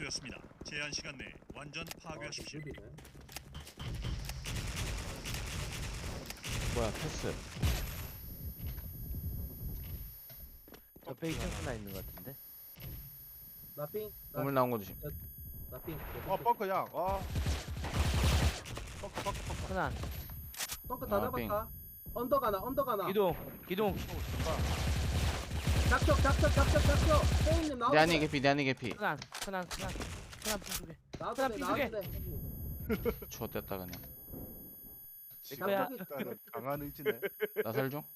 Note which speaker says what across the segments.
Speaker 1: 시작되었습니다. 제한 시간 내에 완전 파괴하십시오.
Speaker 2: 뭐야 패스.
Speaker 3: 옆에 2층 하나 있는 것 같은데?
Speaker 4: 나삥
Speaker 2: 우물 나온 거 조심.
Speaker 4: 나삥
Speaker 5: 뻥크야. 뻥크.
Speaker 3: 흔한
Speaker 4: 벙커 다
Speaker 2: 삥.
Speaker 4: 잡았다. 언덕 하나
Speaker 3: 기동
Speaker 4: 작적 혜인님 나오네.
Speaker 2: 내 안에 개피 내 안에 개피.
Speaker 3: 흔한 핑두개
Speaker 4: 나도 돼
Speaker 3: 핑
Speaker 4: 나도 돼.
Speaker 2: 좋됐다 그냥.
Speaker 3: 거야.
Speaker 5: 지금 강한 의지네.
Speaker 2: 나 살 좀.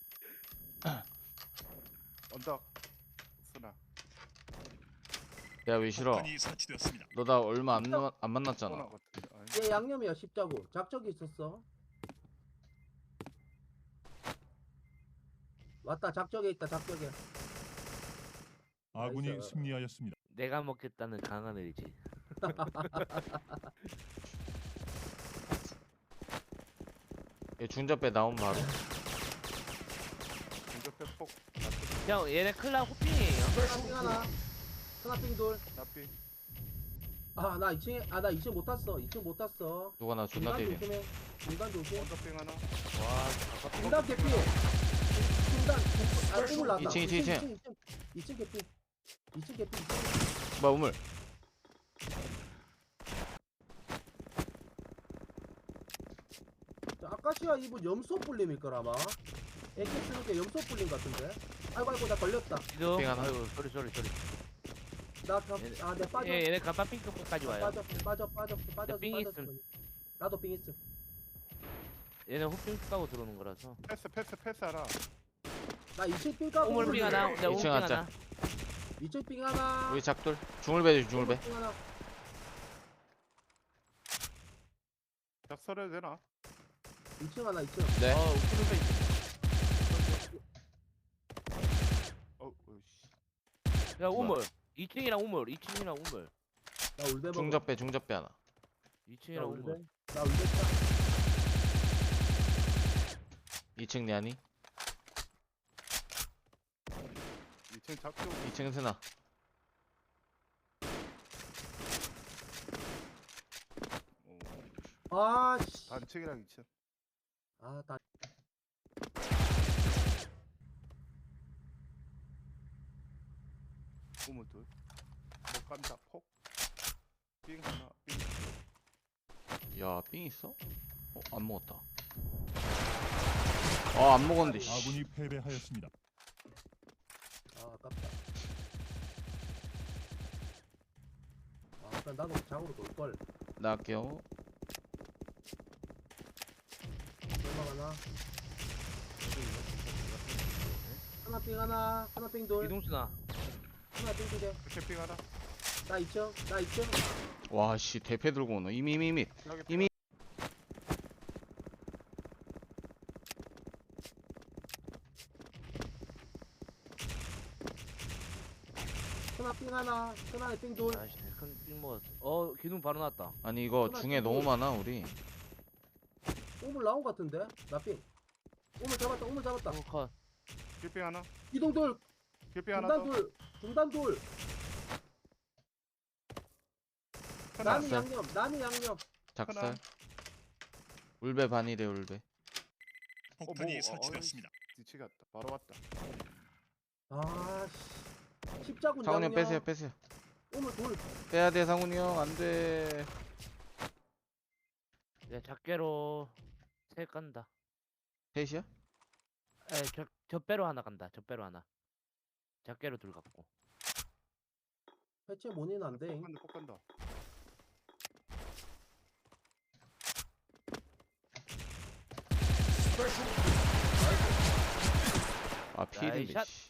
Speaker 5: 언덕. 쓰나.
Speaker 2: 야 왜 싫어?
Speaker 1: 폭탄이 설치되었습니다.
Speaker 2: 너 나 얼마 안 만났잖아.
Speaker 5: 소나 같은데.
Speaker 4: 얘 양념이야 십자구. 작적이 있었어. 왔다 작적에 있다 작적에.
Speaker 1: 아군이
Speaker 4: 나이스.
Speaker 1: 승리하였습니다.
Speaker 3: 내가 먹겠다는 강한 의지.
Speaker 2: 얘 중접배 나온 바로.
Speaker 5: 공격배 폭.
Speaker 3: 형 얘네 클라 호핑이에요.
Speaker 4: 하나삥 둘.
Speaker 5: 나삐.
Speaker 4: 나 2층 못 탔어. 2층 못 탔어.
Speaker 2: 누가 나 존나 때려.
Speaker 4: 중간 조심.
Speaker 5: 언덕빙 하나.
Speaker 3: 와
Speaker 4: 중간 개피. 중간 우물 났다.
Speaker 2: 2층.
Speaker 4: 2층 개피. 2층 개피.
Speaker 2: 뭐야 우물.
Speaker 4: 아카시아 이분 염소 불림일 거라마. AK 쓰는 게 염소 불림 같은데. 아이고 나 걸렸다.
Speaker 3: 기동.
Speaker 2: 핑 하나.
Speaker 3: 아이고 소리.
Speaker 4: 내 빠져.
Speaker 3: 얘네 가빠 핑크까지 와요.
Speaker 4: 빠져.
Speaker 3: 삥 있음.
Speaker 4: 나도 삥 있음.
Speaker 3: 얘네 호핑 까고 들어오는 거라서.
Speaker 5: 패스 하나.
Speaker 4: 나 2층 삥 까고.
Speaker 3: 우물 핑 하나. 내 우물 핑
Speaker 2: 2층 하자.
Speaker 3: 하나.
Speaker 4: 2층 삥 하나.
Speaker 2: 우리 작돌. 중울배 조심 중울배.
Speaker 4: 삥 하나.
Speaker 5: 작설해도 되나?
Speaker 4: 2층 하나 2층.
Speaker 2: 네.
Speaker 3: 우물
Speaker 5: 어이씨.
Speaker 3: 야 우물. 2층이랑 우물.
Speaker 4: 나 울베 먹어.
Speaker 2: 중접배 하나.
Speaker 3: 2층이랑
Speaker 4: 나
Speaker 3: 우물.
Speaker 4: 울베. 나 울베 차.
Speaker 2: 2층 내 안이.
Speaker 5: 2층 작조.
Speaker 2: 2층 스나.
Speaker 4: 아씨.
Speaker 5: 단층이랑 2층.
Speaker 4: 나
Speaker 5: 우물 둘. 못 간다. 폭. 빙 하나. 빙.
Speaker 2: 야 삥 있어? 안 먹었다. 안 먹었는데 씨.
Speaker 1: 아군이 패배하였습니다.
Speaker 4: 아깝다. 그럼 나도 작으로 돌 걸.
Speaker 2: 나갈게요.
Speaker 4: 얼마 하나. 하나 삥 돌.
Speaker 3: 기동수나.
Speaker 4: 하나 삥 두 개.
Speaker 5: 캠핑 하나.
Speaker 4: 나 2층.
Speaker 2: 와씨 대패 들고 오노. 이미.
Speaker 5: 여기
Speaker 2: 이미-
Speaker 4: 하나 삥 하나. 하나에 삥 돌.
Speaker 3: 아씨 큰삥 먹었어. 기둥 바로 나왔다.
Speaker 2: 아니 이거 중에 너무 많아 우리.
Speaker 4: 우물 나온 것 같은데? 나 삥. 우물 잡았다.
Speaker 3: 컷.
Speaker 5: 캠핑 하나.
Speaker 4: 이동 돌.
Speaker 5: 캠핑 하나
Speaker 4: 중단
Speaker 5: 더.
Speaker 4: 돌. 중단 돌.
Speaker 5: 하나.
Speaker 4: 남이 양념.
Speaker 2: 작살.
Speaker 5: 하나.
Speaker 2: 울배 반이래 울배.
Speaker 1: 폭탄이
Speaker 5: 뭐,
Speaker 1: 설치되었습니다.
Speaker 5: 뒤치 갔다. 바로 왔다.
Speaker 4: 아씨. 십자군
Speaker 2: 상훈이 형
Speaker 4: 양념.
Speaker 2: 빼세요.
Speaker 4: 우물 돌.
Speaker 2: 빼야 돼 상훈이 형 안돼.
Speaker 3: 야 작게로 세 간다.
Speaker 2: 셋이야?
Speaker 3: 젖배로 하나 간다. 작게로 둘 갖고.
Speaker 4: 해체 모니는 안 돼.
Speaker 5: 폭 간다.
Speaker 2: 필인데
Speaker 3: 나이샷.
Speaker 2: 씨.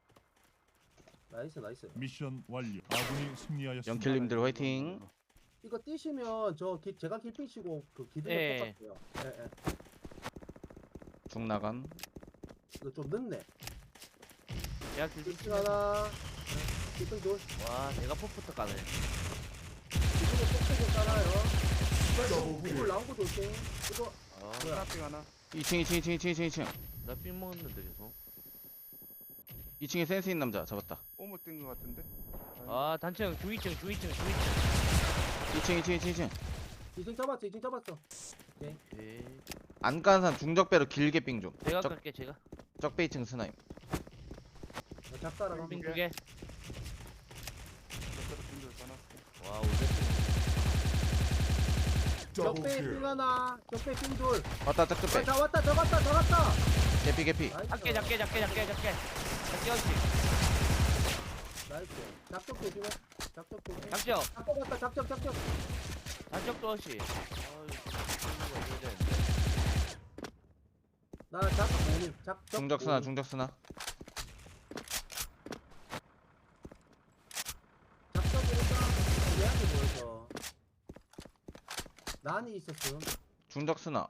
Speaker 4: 나이스.
Speaker 1: 미션 완료. 아군이 승리하였습니다.
Speaker 2: 영킬님들 화이팅.
Speaker 4: 이거 뛰시면 제가 길핑 치고 그 기둥을
Speaker 3: 예.
Speaker 4: 뽑았어요. 예.
Speaker 2: 중 나간.
Speaker 4: 이거 좀 늦네.
Speaker 3: 야 길빙
Speaker 4: 길핑 하나. 길핑 돌.
Speaker 3: 와 내가 포부터 까네.
Speaker 4: 기둥을 뽑히고 깔아요. 이걸 나온 거 조심. 이거
Speaker 5: 하나 빙 하나.
Speaker 2: 2층.
Speaker 3: 나삥 먹었는데 계속.
Speaker 2: 2층에 센스 있는 남자 잡았다.
Speaker 5: 오물 뛴거 같은데.
Speaker 3: 아 단층 주위층
Speaker 2: 2층 2층.
Speaker 4: 2층 잡았어 2층 잡았어.
Speaker 3: 네.
Speaker 2: 안 까는 사람 중적배로 길게 삥 좀.
Speaker 3: 제가 갈게 제가.
Speaker 2: 적배 2층 스나임.
Speaker 4: 작사라가.
Speaker 3: 빙 2개.
Speaker 5: 저쪽으로 빈들 까놨어.
Speaker 3: 와 오졌어.
Speaker 4: 적배 삥 하나. 적배 삥 둘.
Speaker 2: 왔다 적배.
Speaker 4: 다 왔다 더 갔다 더 갔다.
Speaker 2: 개피.
Speaker 3: 작게 작게 어시.
Speaker 4: 나이스. 작적 조심해. 작적 조심.
Speaker 3: 작적.
Speaker 4: 작적 갔다 작적.
Speaker 3: 작적도 어시.
Speaker 4: 나 작적 모님. 작적.
Speaker 2: 중적 스나
Speaker 4: 모님.
Speaker 2: 중적 스나.
Speaker 4: 작적이니까 얘한테 보여서. 난이 있었음.
Speaker 2: 중적 스나.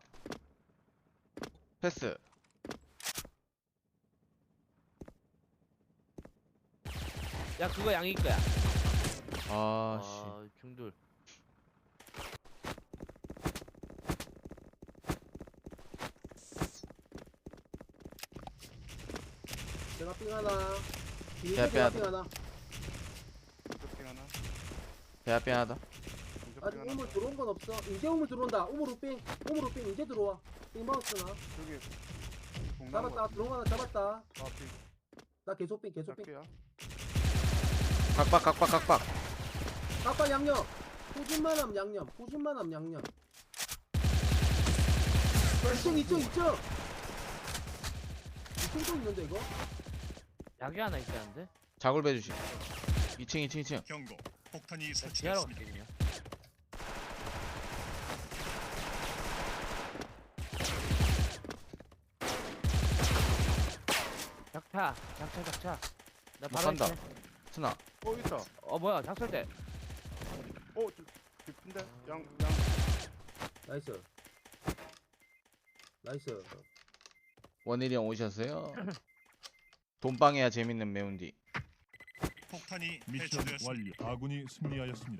Speaker 2: 패스.
Speaker 3: 야 그거 양이 거야.
Speaker 2: 아씨.
Speaker 3: 아 중돌.
Speaker 4: 제가 삥 하나.
Speaker 2: 야,
Speaker 4: 제가
Speaker 2: 빼야
Speaker 4: 삥 하나.
Speaker 5: 중적빙 하나.
Speaker 2: 배 앞에 하나다.
Speaker 4: 아직
Speaker 5: 중적빙 하나.
Speaker 4: 우물 들어온 건 없어. 이제 우물 들어온다. 우물로 삥 이제 들어와. 삥 마우스나.
Speaker 5: 저기
Speaker 4: 잡았다. 들어온 거 하나 잡았다.
Speaker 5: 아, 빙.
Speaker 4: 나 계속 삥.
Speaker 5: 작게야.
Speaker 2: 각박.
Speaker 4: 아빠 양념. 후진만함 양념. 2층. 2층도 있는데 이거?
Speaker 3: 약이 하나 있다는데?
Speaker 2: 자굴 배주시. 2층.
Speaker 1: 경고. 폭탄이
Speaker 3: 지하로
Speaker 1: 설치됐습니다.
Speaker 3: 갈게 그냥. 작차. 나 바로
Speaker 2: 간다.
Speaker 3: 했네.
Speaker 2: 스나.
Speaker 5: 있다.
Speaker 3: 뭐야 작설대.
Speaker 5: 깊은데. 양.
Speaker 4: 나이스.
Speaker 2: 원일이 형 오셨어요? 돈방해야 재밌는 매운디.
Speaker 1: 폭탄이 미션
Speaker 2: 네,
Speaker 1: 완료. 아군이 승리하였습니다.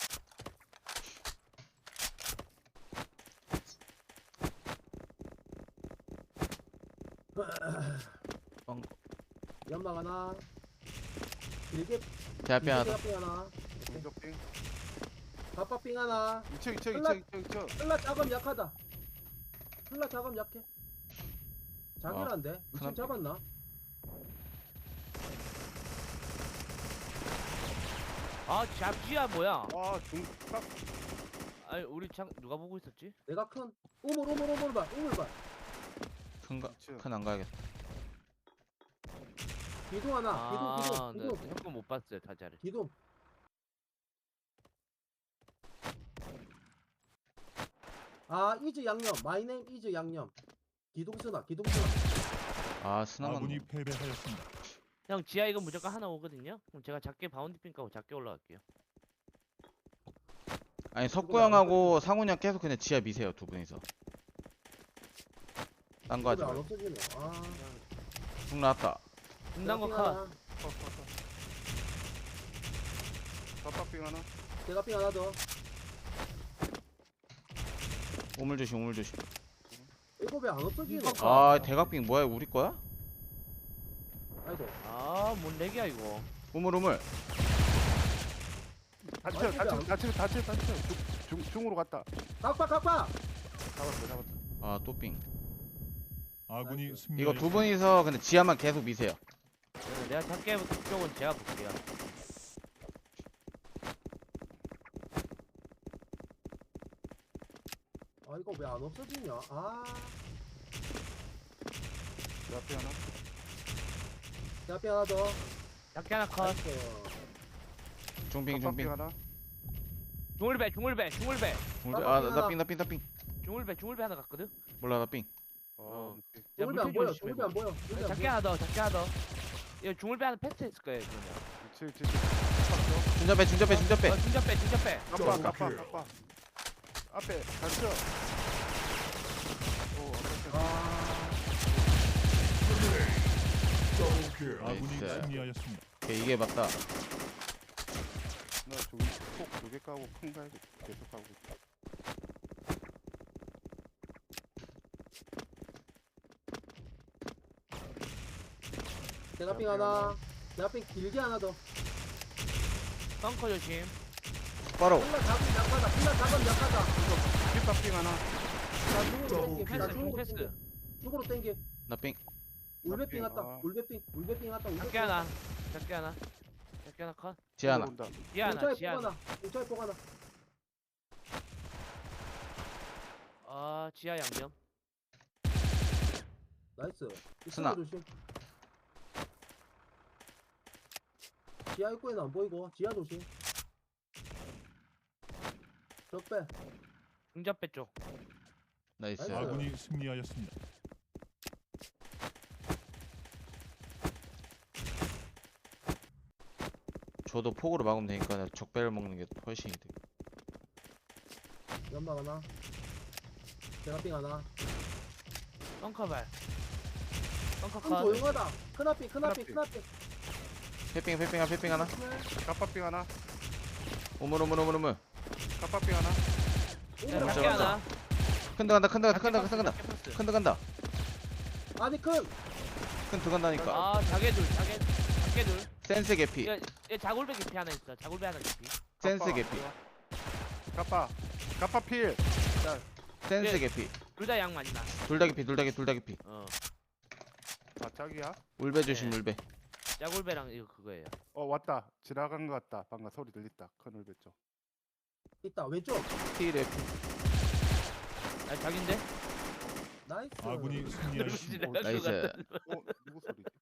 Speaker 4: 연막 하나. 길게
Speaker 2: 배 앞에 하나다.
Speaker 4: 삥 하나.
Speaker 5: 중적빙.
Speaker 4: 바빠 삥 하나.
Speaker 5: 2층.
Speaker 4: 흘라 작업 약하다. 흘라 작업 약해. 자기란데.
Speaker 2: 큰일
Speaker 4: 2층 잡았나?
Speaker 3: 아 잡지야 뭐야?
Speaker 5: 와, 중각.
Speaker 3: 아니 우리 창 누가 보고 있었지?
Speaker 4: 내가 큰 우물 봐.
Speaker 2: 큰 안 가야겠다.
Speaker 4: 기둥 하나.
Speaker 3: 아, 네,
Speaker 4: 기둥.
Speaker 3: 형건 못 봤어요 타자를.
Speaker 4: 기둥. 아 이즈 양념. 마이네임 이즈 양념. 기둥 쓰나.
Speaker 2: 아 스나만.
Speaker 1: 아군이 패배하였습니다.
Speaker 3: 형 지하 이거 무조건 하나 오거든요. 그럼 제가 작게 바운드핑 까고 작게 올라갈게요.
Speaker 2: 아니 석구 형하고 상훈이 형 계속 그냥 지하 미세요 두 분이서. 딴 거 하지
Speaker 4: 안
Speaker 2: 말고.
Speaker 4: 없어지네. 아.
Speaker 2: 중 나왔다.
Speaker 3: 중단 거
Speaker 4: 삥
Speaker 3: 컷.
Speaker 4: 하나.
Speaker 5: 바빠빙 하나.
Speaker 4: 제가 삥 하나 더.
Speaker 2: 우물 조심.
Speaker 4: 이거 왜 안 없어지노?
Speaker 3: 이거
Speaker 2: 아 대각빙 뭐야 우리 거야?
Speaker 4: 아이고.
Speaker 3: 아뭔 렉이야 이거.
Speaker 2: 우물.
Speaker 5: 다쳐. 중으로 갔다.
Speaker 4: 각파.
Speaker 5: 잡았어.
Speaker 2: 아 또 빙.
Speaker 1: 아군이
Speaker 4: 나이스.
Speaker 1: 승리하였습니다.
Speaker 2: 이거 두 분이서 근데 지하만 계속 미세요.
Speaker 3: 내가 작게 쪽은 제가 볼게요.
Speaker 4: 아 이거 왜 안 없어지냐? 아.
Speaker 5: 내 앞에 하나.
Speaker 4: 제가 삥 하나 더.
Speaker 3: 작게 하나 컷.
Speaker 4: 나이스.
Speaker 2: 중빙.
Speaker 5: 바빠빙 하나.
Speaker 3: 중울배.
Speaker 2: 아나 빙.
Speaker 3: 중울배 하나 갔거든.
Speaker 2: 몰라 나 빙.
Speaker 5: 어.
Speaker 3: 야,
Speaker 4: 중울배 안
Speaker 3: 물질
Speaker 4: 보여.
Speaker 3: 조심해,
Speaker 4: 중울배 안 보여. 중울배 안
Speaker 3: 작게
Speaker 4: 보여.
Speaker 3: 하나 더. 이거 중울배 하나 패스했을 거예요 그러면.
Speaker 2: 중접배.
Speaker 3: 중접배.
Speaker 5: 갑바. 앞에 다쳐. 오,
Speaker 4: 아.
Speaker 1: 아군이
Speaker 2: 나이스.
Speaker 1: 승리하였습니다.
Speaker 2: 오케이, 이게 맞다.
Speaker 5: 나 저기 폭 2개 까고 큰 가야지. 계속 가고 있다.
Speaker 4: 대가빙 하나. 대가빙 길게 하나 더.
Speaker 3: 벙커 조심.
Speaker 2: 바로
Speaker 4: 필라 잡으면 약하다. 필라 잡으면 약하다.
Speaker 5: 뒷밥빙 하나.
Speaker 4: 나 중으로 땡기. 나
Speaker 3: 패스
Speaker 4: 중으로
Speaker 3: 패스.
Speaker 4: 땡기. 중으로 땡기.
Speaker 2: 나삥
Speaker 4: 울베빙 왔다.
Speaker 5: 아.
Speaker 4: 울베빙 왔다.
Speaker 3: 작게 하나. 작게 하나. 작게 하나 컷.
Speaker 2: 지하 하나
Speaker 5: 온다.
Speaker 3: 지하 하나.
Speaker 4: 공차에
Speaker 3: 지하 하나.
Speaker 4: 뽑아놔. 공차에 뽑아놔.
Speaker 3: 아 지하 양념.
Speaker 4: 나이스.
Speaker 2: 스나.
Speaker 4: 조심. 지하 입구에는 안 보이고 지하 조심. 적배.
Speaker 3: 중잡배 쪽.
Speaker 2: 나이스
Speaker 4: 나이스.
Speaker 1: 아군이 승리하였습니다.
Speaker 2: 저도 폭으로 막으면 되니까 적배를 먹는 게 훨씬 이득.
Speaker 4: 연막 하나. 대가빙 하나.
Speaker 3: 벙커 발. 벙커
Speaker 4: 큰
Speaker 3: 컷.
Speaker 4: 조용하다. 큰앞빙
Speaker 5: 큰앞빙.
Speaker 2: 패핑 하나
Speaker 5: 갑밥빙 하나.
Speaker 2: 우물
Speaker 5: 갑밥빙 하나.
Speaker 3: 야, 작게
Speaker 2: 잡았다.
Speaker 3: 하나.
Speaker 2: 큰데 간다
Speaker 3: 작게 패스.
Speaker 2: 큰데 간다
Speaker 4: 아니 큰.
Speaker 2: 큰 들어간다니까
Speaker 3: 아 자개 둘. 작게 둘.
Speaker 2: 센스 개피
Speaker 3: 얘 자골배 깊이 하나 있어. 자골배 하나 깊이.
Speaker 2: 센스 개피
Speaker 5: 갑밥필.
Speaker 2: 센스
Speaker 3: 예.
Speaker 2: 개피
Speaker 3: 둘 다 양 맞나?
Speaker 2: 둘 다 개피
Speaker 3: 어.
Speaker 5: 아 짝이야?
Speaker 2: 울배 조심
Speaker 3: 네.
Speaker 2: 울배
Speaker 3: 자골배랑 이거 그거예요.
Speaker 5: 왔다. 지나간 것 같다. 방금 소리 들렸다. 큰 울배 쪽.
Speaker 4: 있다. 왼쪽.
Speaker 2: T랩
Speaker 3: 아 자긴데?
Speaker 4: 나이스.
Speaker 1: 아군이 승리하였습니다.
Speaker 3: 누구지?
Speaker 2: 나이스
Speaker 5: 누구 소리지?